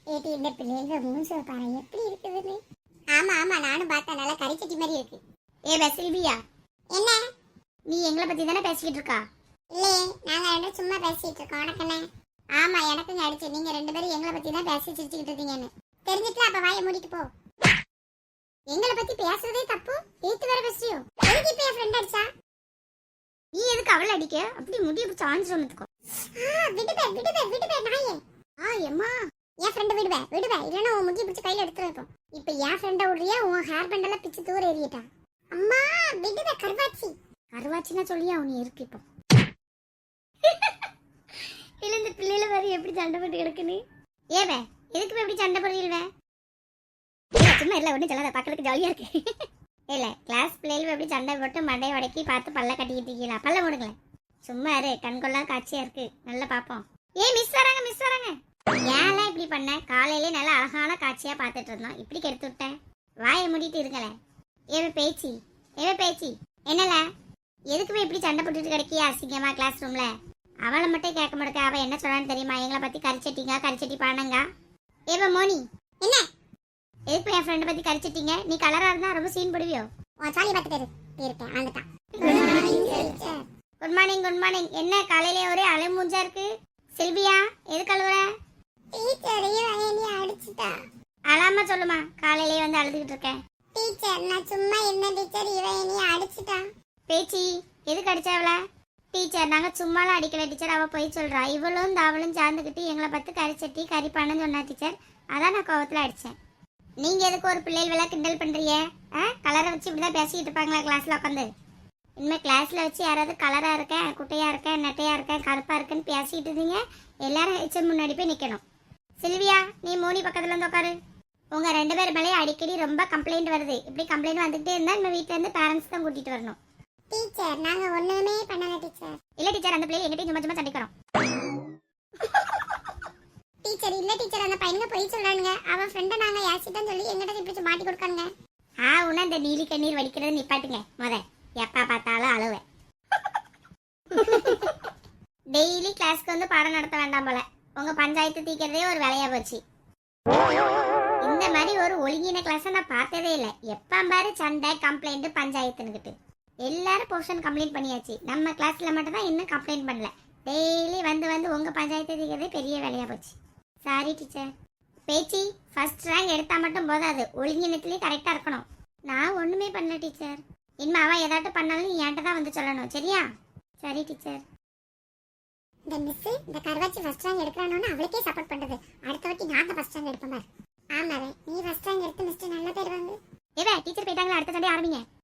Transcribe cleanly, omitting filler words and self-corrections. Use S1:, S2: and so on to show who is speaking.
S1: ஏடி இந்த பிள்ளைங்க மூஞ்ச பாரு எப்படி இருக்குதுன்னு. ஆமா ஆமா நானும் பார்த்தேன், நல்லா கறிச்சட்டி மாதிரி இருக்கு.
S2: செல்வியா,
S1: என்ன?
S2: நீ எங்களை பத்தி தானே பேசிக்கிட்டு இருக்கா?
S1: இல்லையே, நாங்க ரெண்டும் சும்மா பேசிட்டு இருக்கோம். உனக்கு என்ன? ஆமா எனக்கும் அடிச்சு, நீங்க ரெண்டு பேரும் எங்களை பத்தி தான் பேசி சிரிச்சுக்கிட்டு இருக்கீங்கன்னு தெரிஞ்சுட்டு அப்ப வாயை மூடிட்டு போ. எங்களை பத்தி பேசுறதே தப்பு, ஏத்து வேற பேசுறியோ? எதுக்கு இப்ப என் ஃப்ரெண்ட் அடிச்சா?
S2: நீ எதுக்கு அவளை அடிக்க? அப்படி முடிய பிடிச்சி ஆஞ்சு வந்துக்கோ.
S1: விடுவே நாயே.
S2: எம்மா,
S1: என் ஃப்ரெண்ட் விடுவே இல்லைன்னா உன் முடி பிடிச்சி கையில எடுத்துருப்போம். இப்ப என் ஃப்ரெண்ட விடுறியா? உன் ஹேர் பேண்ட் எல்லாம் பிச்சு தூர எறியட்டா? அம்மா விடுவே.
S2: கருவாச்சின்னா சொல்லியா உனி இருக்கு இப்போ. இல்ல இந்த பிள்ளைல வேற எப்படி சண்டை போட்டு கிடக்குன்னு. ஏவே எதுக்கு எப்படி சண்டை போடுறீல்வே? சும்மா இல்ல ஒன்றும் சொல்லாத, பக்கத்துக்கு ஜாலியா இருக்கு. இல்ல கிளாஸ் பிள்ளைகள் எப்படி சண்டை போட்டு மண்டையை உடக்கி பார்த்து பல்ல கட்டிக்கிட்டு இருக்கீங்களா? பல்ல மூடுங்களேன். சும்மா இரு, கண்கொள்ளா காட்சியா இருக்கு, நல்லா பாப்போம். மிஸ் வராங்க. ஏன்லாம் இப்படி பண்ண? காலையிலே நல்லா அழகான காட்சியா பார்த்துட்டு இருந்தோம், இப்படி கெடுத்து விட்டேன். வாயை மூடிட்டு இருங்களேன். ஏவே பேச்சி என்னல எதுக்குமே இப்படி சண்டை போட்டுட்டு கிடைக்கியா அசிங்கமா கிளாஸ் ரூம்ல? அவளை மட்டும் கேட்க மாட்டேக்க. அவ என்ன சொன்னான்னு தெரியுமா? எங்களை பத்தி கரிச்சட்டி பானங்க. ஏவ மோனி,
S1: என்ன
S2: எதுக்கு என் ஃப்ரெண்ட் பத்தி கரிச்சட்டிங்க? நீ கலரா இருந்தா ரொம்ப சீன் போடுவியோ?
S1: சாலி பார்த்துட்டு இருப்பேன். வந்துட்டான்.
S2: Good morning. என்ன காலையிலே ஒரே அலைமூஞ்சா இருக்கு? செல்வியா எது கழுவுற?
S1: அடிச்சுட்டா.
S2: அழாம சொல்லுமா, காலையிலே வந்து அழுதுகிட்டு இருக்கேன்.
S1: டீச்சர் நான் சும்மா என்ன டீச்சர், இவன் என்னைய அடிச்சுட்டா.
S2: பேச்சி எதுக்கு அடிச்சாவள? டீச்சர் நாங்க சும்மாலாம் அடிக்கல டீச்சர், அவ போய் சொல்றா. இவளும் தாவளும் சார்ந்துக்கிட்டு எங்களை பார்த்து கரிச்சட்டி கறிப்பானு சொன்னா டீச்சர், அதான் நான் கோவத்துல அடிச்சேன். நீங்க எதுக்கு ஒரு பிள்ளைகள் வேலை கிண்டல் பண்றீங்க? கலரை வச்சு இப்படிதான் பேசிக்கிட்டு இருப்பாங்களா கிளாஸ்ல உட்காந்து? இனிமே கிளாஸ்ல வச்சு யாராவது கலரா இருக்கேன், குட்டையா இருக்கேன், நெட்டையா இருக்கேன், கருப்பா இருக்கேன்னு பேசிட்டு இருந்தீங்க, எல்லாரும் ஹெச்எம் முன்னாடி போய் நிக்கணும். சில்வியா நீ மோனி பக்கத்துல இருந்து உட்காரு. உங்க ரெண்டு பேர் மேலே அடிக்கடி ரொம்ப கம்ப்ளைண்ட் வருது. இப்படி கம்ப்ளைண்ட் வந்துட்டே இருந்தா நம்ம வீட்டுல இருந்து பேரண்ட்ஸ் தான் கூட்டிட்டு வரணும்.
S1: டீச்சர் நாங்க ஒண்ணுமே பண்ணல டீச்சர்.
S2: இல்ல டீச்சர், அந்த பிள்ளை எங்கிட்ட சும்மா சண்டைக்கிறோம்.
S1: டீச்சர் இல்ல டீச்சர், அந்த பையனுங்க போய் சொல்றானுங்க. அவன் ஃப்ரெண்ட நாங்க யாசிட்டோம் சொல்லி எங்கிட்ட இப்படி மாட்டி கொடுக்கானுங்க.
S2: உன்ன இந்த நீலி கண்ணீர் வடிக்கிறது நிப்பாட்டுங்க முத. எப்ப பார்த்தாலும் அழுவேன். டெய்லி கிளாஸ்க்கு வந்து பாடம் நடத்த வேண்டாம் போல. உங்க பஞ்சாயத்து தீக்கிறதே ஒரு வேலையா போச்சு. இந்த மாதிரி ஒரு ஒழுங்கின கிளாஸ் நான் பார்த்ததே இல்லை. எப்ப பாரு சண்டை கம்ப்ளைண்ட் பஞ்சாயத்துன்னுக்கிட்டு எல்லாரும் போர்ஷன் கம்ப்ளைண்ட் பண்ணியாச்சு. நம்ம கிளாஸ்ல மட்டும் தான் இன்னும் கம்ப்ளைண்ட் பண்ணல. டெய்லி வந்து உங்க பஞ்சாயத்து தீக்கிறதே பெரிய வேலையா போச்சு. Sorry teacher. Pechi first rank எடுத்தா மட்டும் போதாது, ஒழுங்கினத்துலேயே கரெக்டாக இருக்கணும். நான் ஒன்றுமே பண்ணல டீச்சர். இனிமே அவன் ஏதாட்டும் பண்ணாலும் நீ என்கிட்ட தான் வந்து சொல்லணும், சரியா? சரி டீச்சர்.
S1: இந்த மிஸ் இந்த கருவாச்சி ஃபர்ஸ்ட் ரேங்க் எடுக்கறானோன்னு அவளுக்கே சப்போர்ட் பண்றது. அடுத்த வாட்டி நான் தான் ஃபர்ஸ்ட் ரேங்க் எடுப்பேன் பாரு. ஆமாவே நீ ஃபர்ஸ்ட் ரேங்க் எடுத்து மிஸ்டர் நல்ல பேர் வாங்கு.
S2: ஏவே டீச்சர் போயிட்டாங்களா? அடுத்த சண்டே ஆரம்பிங்க.